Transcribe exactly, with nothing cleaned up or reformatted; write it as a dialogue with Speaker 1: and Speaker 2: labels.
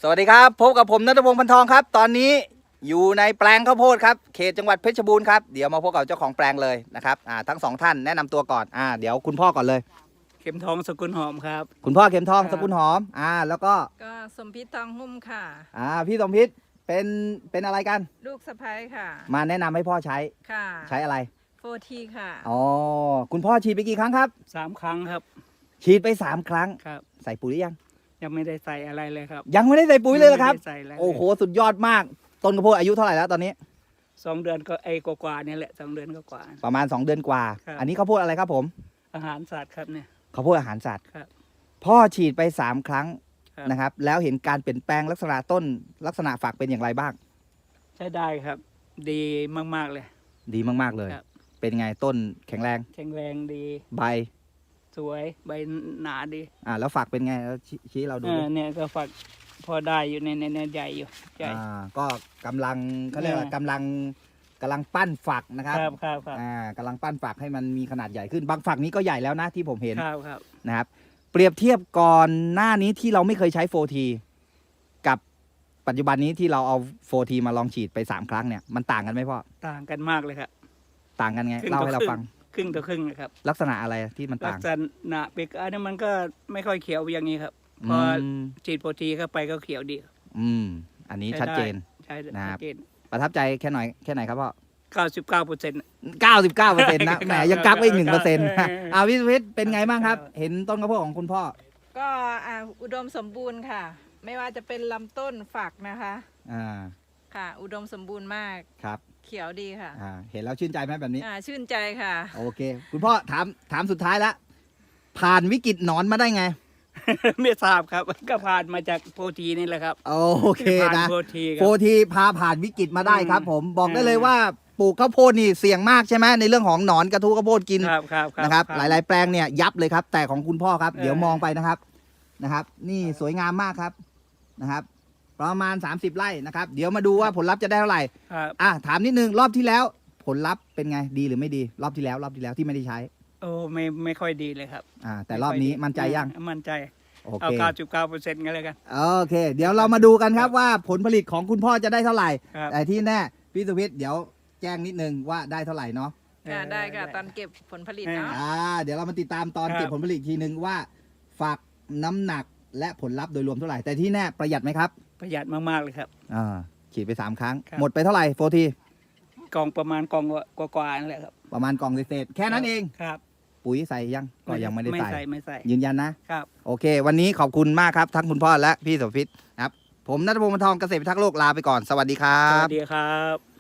Speaker 1: สวัสดีครับพบกับผมณัฐพงศ์ พันทองครับตอนนี้อยู่ในแปลงข้าวโพดครับเขตจังหวัดเพชรบูรณ์ครับเดี๋ยวมาพบกับเจ้าของแปลงเลยนะครับอ่าทั้งสองท่านแนะนำตัวก่อนอ่าเดี๋ยวคุณพ่อก่อนเลย
Speaker 2: เข็มทองสกุลหอมครับ
Speaker 1: คุณพ่อเข็มทองสกุลหอมอ่าแล้วก็
Speaker 3: ก็สมพิษทองหุ้มค่ะ
Speaker 1: อ่าพี่สมพิษเป็นเป็นอะไรกัน
Speaker 3: ลูกสะพ้ายค่ะ
Speaker 1: มาแนะนำให้พ่อใช้
Speaker 3: ค่ะ
Speaker 1: ใช้อะไร
Speaker 3: โฟทีค่ะ
Speaker 1: อ๋อคุณพ่อฉีดไปกี่ครั้งครับ
Speaker 2: สามครั้งครับ
Speaker 1: ฉีดไปสามครั้ง
Speaker 2: ครับ
Speaker 1: ใส่ปุ๋ยหรือยัง
Speaker 2: ยังไม่ได้ใส่อะไรเลยครับ
Speaker 1: ยังไม่ได้ใส่ปุ๋ยเลยเหรอครับ
Speaker 2: โอ้
Speaker 1: โหสุดยอดมากต้นข้าวโพดอายุเท่าไหร่แล้วตอนนี้
Speaker 2: สองเดือนก็ไอ้กว่าๆนี่แหละสองเดือนก็กว่า
Speaker 1: ประมาณสองเดือนกว่าอันนี้ข้าวโพดอะไรครับผม
Speaker 2: อาหารสัตว์ครับเนี่ย
Speaker 1: ข้าวโพดอาหารสัตว์
Speaker 2: ครับ
Speaker 1: พ่อฉีดไปสามครั้งนะครับแล้วเห็นการเปลี่ยนแปลงลักษณะต้นลักษณะฝักเป็นอย่างไรบ้าง
Speaker 2: ใช้ได้ครับดีมากๆเลย
Speaker 1: ดีมากๆเลยเป็นไงต้นแข็งแรง
Speaker 2: แข็งแรงดี
Speaker 1: ใบ
Speaker 2: สวยใบหนาดี
Speaker 1: อ่าแล้วฝักเป็นไงแล้วชี้เราดู
Speaker 2: เนี่ยก็ฝักพอได้อยู่ในในใหญ่อยู่ใหญ่
Speaker 1: อ่าก็กำลังเขาเรียกว่ากำลังกำลังปั้นฝักนะครับ
Speaker 2: ครับครับ
Speaker 1: อ่ากำลังปั้นฝักให้มันมีขนาดใหญ่ขึ้นบางฝักนี้ก็ใหญ่แล้วนะที่ผมเห็น
Speaker 2: ครับครับ
Speaker 1: นะครับเปรียบเทียบก่อนหน้านี้ที่เราไม่เคยใช้โฟทีกับปัจจุบันนี้ที่เราเอาโฟทีมาลองฉีดไปสามครั้งเนี่ยมันต่างกันไหมพ่อ
Speaker 2: ต่างกันมากเลยครับ
Speaker 1: ต่างกันไงเล่าให้เราฟัง
Speaker 2: ครึ่งต่อครึ่งนะครับ
Speaker 1: ลักษณะอะไรที่มันต่าง
Speaker 2: ลักษณะเปกอันนี้มันก็ไม่ค่อยเขียวอย่างนี้ครับพอฉีดโปรตีเข้าไปก็เขียวดี
Speaker 1: อืมอันนี้ชัดเจน
Speaker 2: ใช่
Speaker 1: นะครับประทับใจแค่หน่อยแค่ไหนครับพ่อ
Speaker 2: เก้าสิบเก้าเปอร์เซ็นต์
Speaker 1: เก้าสิบเก้าเปอร์เซ็นต์นะแหมยังกักไว้อีกหนึ่งเปอร์เซ็นต์อาวิสวิทเป็นไงบ้างครับเห็นต้นข้าวโพดของคุณพ่อ
Speaker 3: ก็อุดมสมบูรณ์ค่ะไม่ว่าจะเป็นลำต้นฝักนะคะ
Speaker 1: อ่า
Speaker 3: ค่ะอุดมสมบูรณ์มาก
Speaker 1: ครับ
Speaker 3: เขียวดีค่ะ
Speaker 1: อ่าเห็นแล้วชื่นใจไหมแบบนี้
Speaker 3: อ่าชื่นใจค่ะ
Speaker 1: โอเคคุณพ่อถามถามสุดท้ายแล้วผ่านวิกฤตหนอนมาได้ไง
Speaker 2: ไม่ทราบครับก็ผ่านมาจากโปรตีนี่แหละครับ
Speaker 1: โอเคนะ
Speaker 2: โปรตี
Speaker 1: โปรตีพาผ่านวิกฤตมาได้ครับผมบอกได้เลยว่าปลูกข้าวโพดนี่เสี่ยงมากใช่ไหมในเรื่องของหนอนกระทู้ข้าวโพดกินนะครับหลายๆแปลงเนี่ยยับเลยครับแต่ของคุณพ่อครับเดี๋ยวมองไปนะครับนะครับนี่สวยงามมากครับนะครับประมาณสามสิบไร่นะครับเดี๋ยวมาดูว่าผลลัพธ์จะได้เท่าไหร่อ่ะถามนิดนึงรอบที่แล้วผลลัพธ์เป็นไงดีหรือไม่ดีรอบที่แล้วรอบที่แล้วที่ไม่ได้ใช้
Speaker 2: โอ้ไม่ไม่ค่อยดีเลยครับ
Speaker 1: อ่าแต่รอบนี้มั่นใจยัง
Speaker 2: มั่นใจเอาเก้าจุดเก้าเปอร์เซ็นต์กันเลยกัน
Speaker 1: โอเคเดี๋ยวเรามาดูกันครับว่าผลผลิตของคุณพ่อจะได้เท่าไหร่แต่ที่แน่พี่สุวิทย์เดี๋ยวแจ้งนิดนึงว่าได้เท่าไหร่เนาะ
Speaker 3: ค่ะได้ค่ะตอนเก็บผลผลิตเนาะ
Speaker 1: อ่าเดี๋ยวเรามาติดตามตอนเก็บผลผลิตทีนึงว่าฝักน้ำหนักและผลลัพธ์โดยรวมเท่าไหร่แต่ที่แน่ประหยัดไหมครับ
Speaker 2: ประหยัดมากๆเลยครับ
Speaker 1: อ่าฉีดไปสามครั้งหมดไปเท่าไหร่โฟที
Speaker 2: กองประมาณกองกว่าๆนั่นแหละครับ
Speaker 1: ประมาณกองเศษแค่นั้นเอง
Speaker 2: ครับ
Speaker 1: ปุ๋ยใส่ยังก็ยังไม่ได้ใส่
Speaker 2: ไม่ใส่ไม่ใส่
Speaker 1: ยืนยันนะครับโอเควันนี้ขอบคุณมากครับทั้งคุณพ่อและพี่สมพิษครับผมณัฐพงศ์ พันทองเกษตรพิทักษ์โลกลาไปก่อนสวัสดีครับ
Speaker 2: สวัสดีครับ